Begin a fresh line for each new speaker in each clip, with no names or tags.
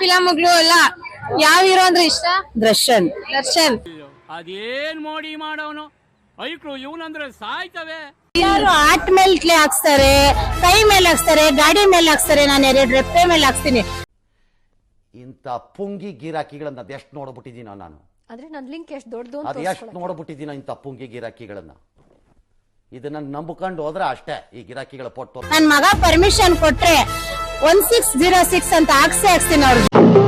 ಫಿಲಮ್ಗಳು ಎಲ್ಲ ಯಾವ ಹೀರೋ ಅಂದ್ರೆ ಇಷ್ಟ?
ದರ್ಶನ್.
ಅದೇನ್ ಮೋಡಿ ಮಾಡೋನು ಐಕ್ಳು ಇವನಂದ್ರೆ ಸಾಯ್ತವೆ.
ಯಾರು ಆಟ್ ಮೇಲೆ ಹಾಕ್ಸ್ತಾರೆ, ಕೈ ಮೇಲೆ ಹಾಕ್ಸ್ತಾರೆ, ಗಾಡಿ ಮೇಲೆ ಹಾಕ್ಸ್ತಾರೆ, ನಾನು 2 ರೆಪ್ಪೆ ಮೇಲೆ ಹಾಕ್ಸ್ತೀನಿ.
ಇಂಥ ಪುಂಗಿ ಗಿರಾಕಿಗಳನ್ನ ಅದೆಷ್ಟು ನೋಡ್ಬಿಟ್ಟಿದ್ದೀನೋ ನಾನು.
ಆದ್ರೆ ನನ್ ಲಿಂಕ್ ಎಷ್ಟು ದೊಡ್ಡದು
ಅದು ಎಷ್ಟು ನೋಡ್ಬಿಟ್ಟಿದ್ದೀನೋ ಇಂಥ ಪುಂಗಿ ಗಿರಾಕಿಗಳನ್ನ. ಇದನ್ನ ನಂಬಿಕೊಂಡು ಹೋದ್ರೆ ಅಷ್ಟೇ ಈ ಗಿರಾಕಿಗಳ ಪೊಟ್ಟು.
ನನ್ ಮಗ ಪರ್ಮಿಷನ್ ಕೊಟ್ರೆ 1606 ಅಂತ ಹಾಕ್ಸ್ತೀನಿ ಅವ್ರಿಗೆ.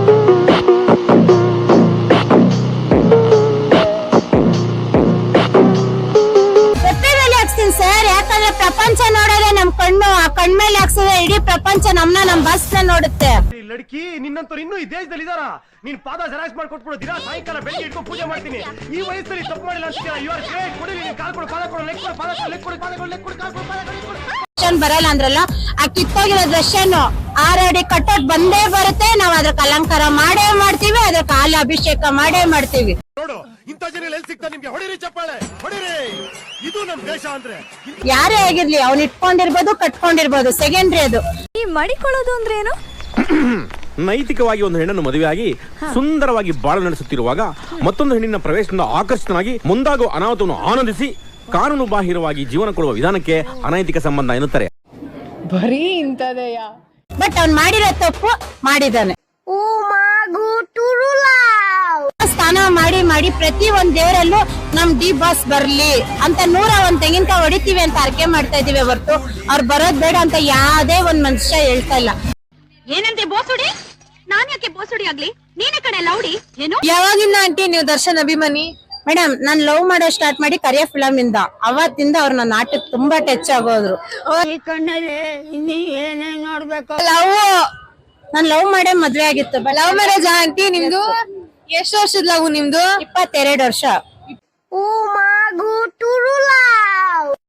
ಸರ್, ಯಾಕಂದ್ರೆ ಪ್ರಪಂಚ ನೋಡೋದೇ ನಮ್ ಕಣ್ಣು. ಆ ಕಣ್ಮೇಲೆ ಹಾಕ್ಸಿದ್ರೆ ಇಡೀ ಪ್ರಪಂಚ ನಮ್ ಬಸ್ ನೋಡುತ್ತೆ.
ಲಡ್ಕಿ ನಿನ್ನಂತವ್ರು ಇನ್ನೂ ಈ ದೇಶದಲ್ಲಿ ಇದಾರ? ನೀನ್ ಪಾದ ಜೆರಾಕ್ಸ್ ಮಾಡಿ ಕೊಟ್ಬಿಡು. ದಿನ ಸಾಯಂಕಾಲ ಬೆಳಿಗ್ಗೆ ಇಟ್ಕೊಂಡು ಪೂಜೆ ಮಾಡ್ತೀನಿ. ಈ ವಯಸ್ಸಲ್ಲಿ ತಪ್ಪು ಮಾಡಿಲ್ಲ ಅಂತೀರಾ? You are great. ಕೊಡಿ, ನೀನ್ ಕಾಲ್ ಕೊಡು, ಪಾದ ಕೊಡು, ಲೆಕ್ ಕೊಡು, ಪಾದ ಕೊಡು, ಲೆಕ್ ಕೊಡು, ಪಾದ ಕೊಡು, ಲೆಕ್ ಕೊಡು, ಕಾಲ್ ಕೊಡು, ಪಾದ ಕೊಡು.
ಬರಲ್ಲ ಅಂದ್ರಲ್ಲ, ಆ ಕಿತ್ತೋಗಿರೋ ದರ್ಶನ್ 6 ಅಡಿ ಕಟ್ಟೋಟ್ ಬಂದೇ ಬರುತ್ತೆ. ನಾವ್ ಅದಕ್ಕೆ ಅಲಂಕಾರ ಮಾಡೇ ಮಾಡ್ತೀವಿ, ಅದಕ್ಕೆ ಹಾಲು ಅಭಿಷೇಕ ಮಾಡೇ ಮಾಡ್ತೀವಿ.
ನೋಡು, ಇಂಥ ಜನ ಎಲ್ಲಿ ಸಿಗ್ತಾ ನಿಮ್ಗೆ? ಹೊಡಿರಿ ಚಪ್ಪಾಳೆ, ಹೊಡಿರಿ. ಇದು ನಮ್ ದೇಶ ಅಂದ್ರೆ.
ಯಾರೇ ಆಗಿರ್ಲಿ, ಅವ್ನ್ ಇಟ್ಕೊಂಡಿರ್ಬೋದು, ಕಟ್ಕೊಂಡಿರ್ಬೋದು, ಸೆಕೆಂಡ್ರಿ ಅದು.
ಈ ಮಡಿಕೊಳ್ಳೋದು ಅಂದ್ರೆ ಏನು?
ನೈತಿಕವಾಗಿ ಒಂದು ಹೆಣ್ಣನ್ನು ಮದುವೆಯಾಗಿ ಸುಂದರವಾಗಿ ಬಾಳ ನಡೆಸುತ್ತಿರುವಾಗ ಮತ್ತೊಂದು ಹೆಣ್ಣಿನ ಪ್ರವೇಶದಿಂದ ಆಕರ್ಷಿತನಾಗಿ ಮುಂದಾಗುವ ಅನಾಹುತವನ್ನು ಆನಂದಿಸಿ ಕಾನೂನು ಬಾಹಿರವಾಗಿ ಜೀವನ ಕೊಡುವ ವಿಧಾನಕ್ಕೆ ಅನೈತಿಕ ಸಂಬಂಧ ಎನ್ನುತ್ತಾರೆ.
ಬರೀ ಇಂತದೆಯ.
ಬಟ್ ಅವ್ನ್ ಮಾಡಿರೋ ತಪ್ಪು ಮಾಡಿದಾನೆ. ಸ್ನಾನ ಮಾಡಿ ಪ್ರತಿ ಒಂದ್ ದೇವರಲ್ಲೂ ನಮ್ ಡಿ ಬಾಸ್ ಬರ್ಲಿ ಅಂತ 101 ತೆಂಗಿನಕಾಯಿ ಹೊಡಿತೀವಿ ಅಂತ ಅರ್ಕೆ ಮಾಡ್ತಾ ಇದೀವಿ ಹೊರತು ಅವ್ರು ಬರೋದ್ ಬೇಡ ಅಂತ ಯಾವ್ದೇ ಒಂದ್ ಮನುಷ್ಯ ಹೇಳ್ತಾ ಇಲ್ಲ.
ಏನಂತೆ ಬೋಸುಡಿ? ನಾನ್ ಯಾಕೆ ಬೋಸುಡಿ ಆಗ್ಲಿ? ನೀನೇ ಕಡೆ ಲೌಡಿ ಏನು?
ಯಾವಾಗಿಂದ ಆಂಟಿ ನೀವು ದರ್ಶನ್ ಅಭಿಮಾನಿ?
ಮೇಡಮ್, ನಾನ್ ಲವ್ ಮಾಡೋ ಸ್ಟಾರ್ಟ್ ಮಾಡಿ ಕರಿಯ ಫಿಲಮ್ ಇಂದ, ಅವತ್ತಿಂದ ಅವ್ರ ನನ್ನ ಆಟಕ್ಕೆ ತುಂಬಾ ಟಚ್ ಆಗೋದ್ರು. ನಾನ್ ಲವ್ ಮಾಡೇ ಮದ್ವೆ ಆಗಿತ್ತು.
ಲವ್ ಮ್ಯಾರೇಜ್ ಆಂಟಿ ನಿಮ್ದು? ಎಷ್ಟು ವರ್ಷದ ಲವ್ ನಿಮ್ದು?
22 ವರ್ಷ.